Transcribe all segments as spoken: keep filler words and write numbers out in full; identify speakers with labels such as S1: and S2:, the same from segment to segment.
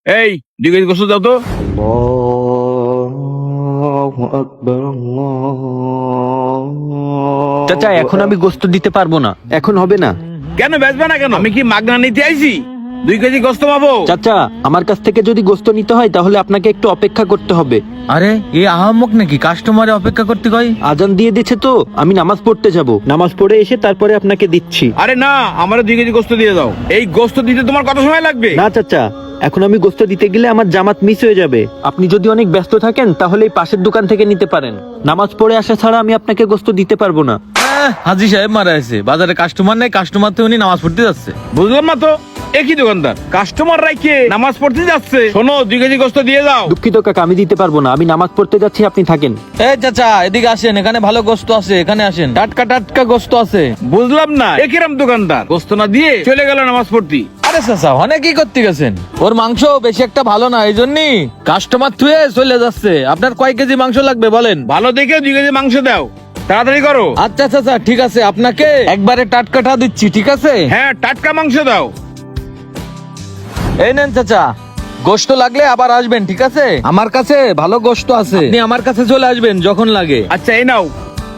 S1: এই দুই কেজি গোস্ত দাও তো।
S2: চাচা এখন আমি গোস্ত দিতে পারবো না, এখন হবে না।
S1: কেন বেচবে না কেন? আমি কি মাগনা নিতে আইছি? দুই কেজি গোস্ত পাবো?
S2: চাচা আমার কাছ থেকে যদি গোস্ত নিতে হয় তাহলে আপনাকে একটু অপেক্ষা করতে হবে।
S3: আরে এই আহাম্মক নাকি কাস্টমারে অপেক্ষা করতে কয়?
S2: আজান দিয়ে দিচ্ছে তো, আমি নামাজ পড়তে যাব, নামাজ পড়ে এসে তারপরে আপনাকে দিচ্ছি।
S1: আরে না, আমার দুই কেজি গোস্ত দিয়ে দাও। এই গোস্ত দিতে তোমার কত সময় লাগবে?
S2: না চাচা, এখন আমি গোস্ত দিতে গেলে আমার জামাত মিস হয়ে যাবে। আপনি যদি অনেক ব্যস্ত থাকেন তাহলে এই পাশের দোকান থেকে নিতে পারেন। নামাজ পড়ে আসা ছাড়া আমি আপনাকে গোস্ত দিতে পারবো না।
S3: আহ, হাজি সাহেব মারা আছে, বাজারে কাস্টমার নাই, কাস্টমার তো উনি নামাজ পড়তে যাচ্ছে।
S1: বুঝলাম না তো, একই দোকানদার কাস্টমার রাইকে নামাজ পড়তে যাচ্ছে। শোনো, দুই কেজি গোস্ত দিয়ে দাও।
S2: দুঃখিত কাকা, আমি দিতে পারবো না, আমি নামাজ পড়তে যাচ্ছি, আপনি থাকেন।
S3: এই চাচা এদিকে আসেন, এখানে ভালো গোস্ত আছে, এখানে আসেন, টাটকা টাটকা গোস্ত আছে।
S1: বুঝলাম না, একিরাম দোকানদার গোস্ত না দিয়ে চলে গেল নামাজ পড়তে।
S3: আরে চাচা অনেক কি করতে গেছেন, ওর মাংস বেশি একটা ভালো না, এই জন্যই কাস্টমার থুয়ে চলে যাচ্ছে। আপনার কয় কেজি মাংস লাগবে বলেন?
S1: ভালো দেখে দুই কেজি মাংস দাও, তাড়াতাড়ি করো।
S3: আচ্ছা চাচা ঠিক আছে, আপনাকে একবারে টাটকাটা দিচ্ছি, ঠিক আছে?
S1: হ্যাঁ, টাটকা মাংস দাও।
S3: এই নেন চাচা, গোশত লাগলে আবার আসবেন, ঠিক আছে? আমার কাছে ভালো গোশত আছে, আপনি আমার কাছে চলে আসবেন যখন লাগে।
S1: আচ্ছা, এই নাও।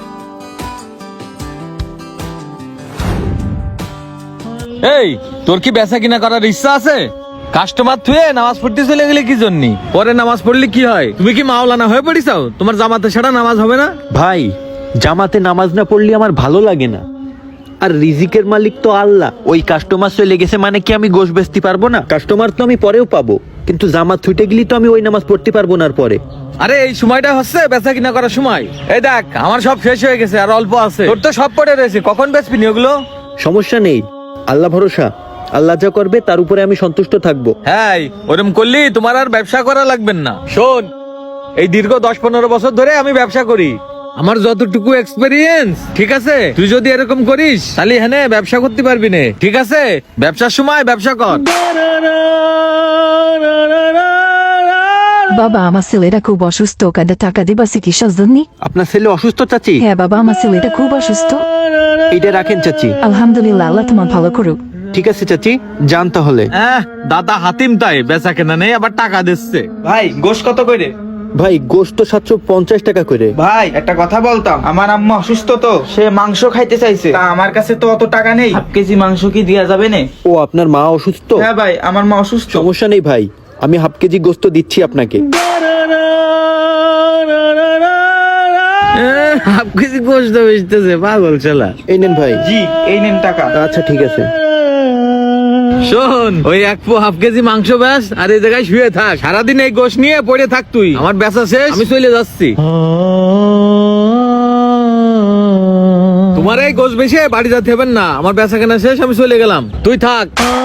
S3: এই তোর কি বেচা কিনা করার ইচ্ছা আছে? কাস্টমার থুয়ে নামাজ পড়তে চলে গেলে কি জন্য? পরে নামাজ পড়লে কি হয়? তুমি কি মাওলানা হয়ে পড়িছাও? তোমার জামাতে ছাড়া নামাজ হবে না?
S2: ভাই, জামাতে নামাজ না পড়লে আমার ভালো লাগে না। আর রিজিকের মালিক তো আল্লাহ। ওই কাস্টমার চলে গেছে মানে কি আমি গোশ বেচতে পারবো না? কাস্টমার তো আমি পরেও পাবো, কিন্তু জামাত ছুটে গেলি তো আমি ওই নামাজ পড়তে পারবো না। আর পরে
S3: আরে এই সময়টা হচ্ছে বেচা কিনা করার সময়। এই দেখ আমার সব শেষ হয়ে গেছে, আর অল্প আছে, তোর তো সব পড়ে রয়েছে, কখন বেচবি নি ওগুলো?
S2: সমস্যা নেই, আল্লাহ ভরসা, আল্লাহ যা করবে তার উপরে আমি সন্তুষ্ট থাকবো।
S3: হ্যাঁ, ওরম করলি তোমার আর ব্যবসা করা লাগবে না। শোন, এই দীর্ঘ দশ পনেরো বছর ধরে আমি ব্যবসা করি, আমার যতটুকু এক্সপেরিয়েন্স, ঠিক আছে? তুই যদি এরকম করিস তাহলে হ্যাঁ ব্যবসা করতে পারবি না, ঠিক আছে? ব্যবসার সময় ব্যবসা কর।
S4: বাবা আমার ছেলেটা খুব অসুস্থ, কাঁদে টাকা দিবা চিকিৎসার জন্য?
S2: আপনার ছেলে অসুস্থ চাচি?
S4: হ্যাঁ বাবা, আমার ছেলেটা খুব অসুস্থ।
S2: এটা রাখেন চাচি।
S4: আলহামদুলিল্লাহ, আল্লাহ তোমার ভালো করুক।
S2: ঠিক আছে চাচি, যান তাহলে।
S3: হ্যাঁ, দাদা হাতিম তাই বেচা কেনা নেই, আবার টাকা দিচ্ছে।
S5: ভাই গোশ কত করে?
S2: ভাই গোশত সাতশো পঞ্চাশ টাকা করে।
S5: ভাই একটা কথা বলতাম, আমার আম্মা অসুস্থ তো, সে মাংস খাইতে চাইছে, তা আমার কাছে তো অত টাকা নেই, হাফ কেজি মাংস কি দেয়া যাবে না?
S2: ও আপনার মা অসুস্থ?
S5: হ্যাঁ ভাই, আমার মা অসুস্থ।
S2: সমস্যা নেই ভাই, আমি হাফ কেজি গোশত দিচ্ছি আপনাকে।
S3: হাফ কেজি গোশত বেচতেছে, পাগল ছেলা।
S2: এই নেন ভাই।
S5: জি, এই নেন টাকা।
S2: আচ্ছা ঠিক আছে।
S3: শোন, ওই এক পো হাফ কেজি মাংস ব্যাস, আর এই জায়গায় শুয়ে থাক, সারাদিন এই গোশ নিয়ে পড়ে থাক তুই। আমার বেচা শেষ, আমি চলে যাচ্ছি। তোমার এই গোশ বেশি বাড়ি যেতে হবে না, আমার বেচা কেনা শেষ, আমি চলে গেলাম, তুই থাক।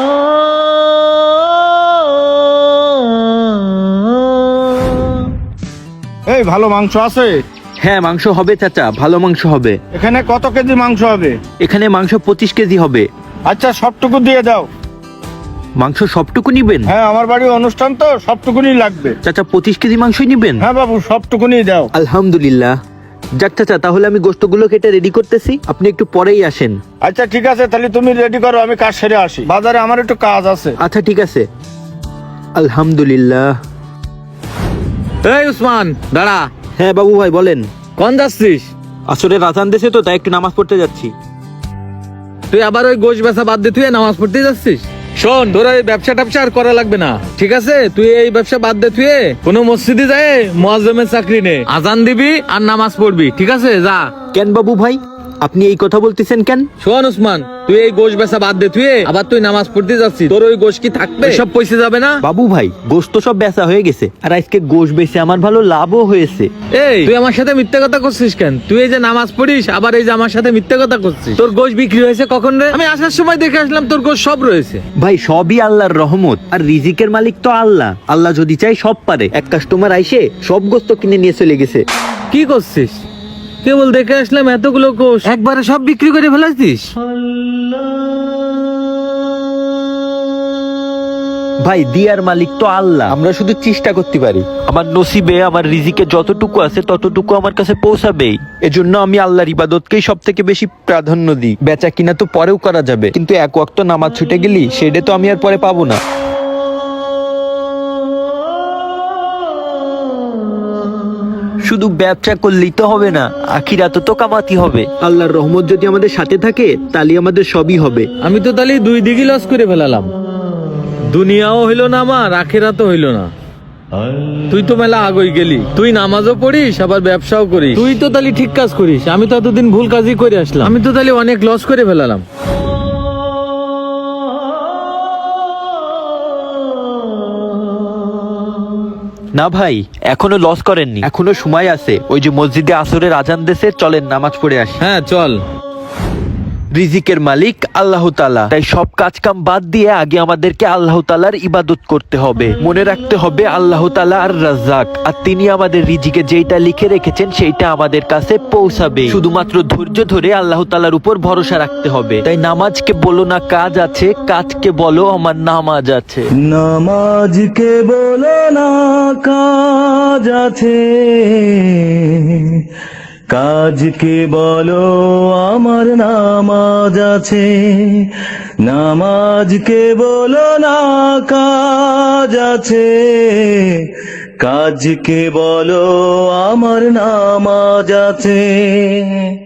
S1: এই ভালো মাংস আছে?
S2: হ্যাঁ মাংস হবে চাচা, ভালো মাংস হবে।
S1: এখানে কত কেজি মাংস হবে?
S2: এখানে মাংস পঁচিশ কেজি হবে।
S1: আচ্ছা, সবটুকু দিয়ে দাও।
S2: মাংস সবটুকু নিবেন?
S1: হ্যাঁ, আমার বাড়ির অনুষ্ঠান তো, সবটুকুনি লাগবে।
S2: চাচা পঁচিশ কেজি মাংসই নিবেন?
S1: হ্যাঁ বাবু, সবটুকুনি দাও।
S2: আলহামদুলিল্লাহ। যাক চাচা, তাহলে আমি গোশতগুলো কেটে রেডি করতেছি, আপনি একটু পরেই আসেন।
S1: আচ্ছা ঠিক আছে, তাহলে তুমি রেডি করো, আমি কাজ সেরে আসি, বাজারে আমার একটু কাজ আছে।
S2: আচ্ছা ঠিক আছে। আলহামদুলিল্লাহ।
S3: এই উসমান দাঁড়া।
S2: হ্যাঁ বাবু ভাই বলেন।
S3: কোন যাচ্ছিস?
S2: আসলে রাজান দেশে তো, তাই একটু নামাজ পড়তে যাচ্ছি।
S3: তুই আবার ওই গোশ বেচা বাদ দিয়ে তুই নামাজ পড়তে যাচ্ছিস? শোন, তোর এই ব্যবসা ট্যাবসা আর করা লাগবে না, ঠিক আছে? তুই এই ব্যবসা বাদ দে, তুই কোনো মসজিদে যায় মুয়াজ্জিমের চাকরি নে, আজান দিবি আর নামাজ পড়বি, ঠিক আছে? যা।
S2: কেন বাবু ভাই, আপনি এই কথা বলতেছেন কেন?
S3: শোন উসমান, তুই এই গোশ বেচা বাদ দে, তুই আবার তুই নামাজ পড়তে যাচ্ছিস, তোর ওই গোশ কি থাকবে? সব পয়সা যাবে না?
S2: বাবু ভাই, গোশত সব বেচা হয়ে গেছে, আর আজকে গোশ বেচে আমার ভালো লাভও হয়েছে।
S3: এই তুই আমার সাথে মিথ্যা কথা করছিস কেন? তুই এই যে নামাজ পড়িস, আবার এই যে আমার সাথে মিথ্যা কথা করছিস। তোর গোশ বিক্রি হয়েছে কখন রে? আমি আসার সময় দেখে আসলাম তোর গোশ সব রয়েছে।
S2: ভাই সবই আল্লাহর রহমত, আর রিজিকের মালিক তো আল্লাহ। আল্লাহ যদি চাই সব পারে। এক কাস্টমার আইসে সব গোশত কিনে নিয়ে চলে গেছে।
S3: কি করছিস? কেবল দেখে আসলাম এতগুলো কোষ একবারে সব বিক্রি করে ফেলাছিস?
S2: ভাই দিয়ার মালিক তো আল্লাহ, আমরা শুধু চেষ্টা করতে পারি। আমার নসিবে, আমার রিজিকে যতটুকু আছে ততটুকু আমার কাছে পৌঁছাবেই। এজন্য আমি আল্লাহর ইবাদতকেই সব থেকে বেশি প্রাধান্য দিই। বেচা কিনা তো পরেও করা যাবে, কিন্তু এক ওয়াক্ত নামাজ ছুটে গেলি সেটা তো আমি আর পরে পাবো না। শুধু ব্যবসা করলেই তো হবে না, আখিরাতে তো কামাতি হবে। আল্লাহর রহমত যদি আমাদের সাথে থাকে তাহলে আমাদের সবই হবে।
S3: আমি তো তাহলে দুই দিকে লস করে ফেলালাম, দুনিয়াও হইলো না আমার, আখেরাতও হইলো না। তুই তো মেলা আগই গেলি, তুই নামাজও পড়িস আবার ব্যবসাও করিস, তুই তো তাহলে ঠিক কাজ করিস। আমি তো এতদিন ভুল কাজই করে আসলাম, আমি তো তাহলে অনেক লস করে ফেলালাম।
S2: না ভাই, এখনো লস করেননি, এখনো সময় আছে। ওই যে মসজিদে আসরের আজান দেশে, চলেন নামাজ পড়ে আসি।
S3: হ্যাঁ চল।
S2: রিজিকের মালিক আল্লাহ তাআলা, তাই সব কাজ কাম বাদ দিয়ে আগে আমাদেরকে আল্লাহ তাআলার ইবাদত করতে হবে। মনে রাখতে হবে আল্লাহ তাআলা আর রাজ্জাক, আর তিনি আমাদের রিজিকে যেইটা লিখে রেখেছেন সেইটা আমাদের কাছে পৌঁছাবে। শুধুমাত্র ধৈর্য ধরে আল্লাহ তাআলার উপর ভরসা রাখতে হবে। তাই নামাজকে বলো না কাজ আছে, কাজকে বলো আমার নামাজ আছে।
S6: নামাজকে বলো না কাজ আছে, কাজকে বলো আমার নামাজ আছে। নামাজকে বলো না কাজ আছে, কাজকে বলো আমার নামাজ আছে।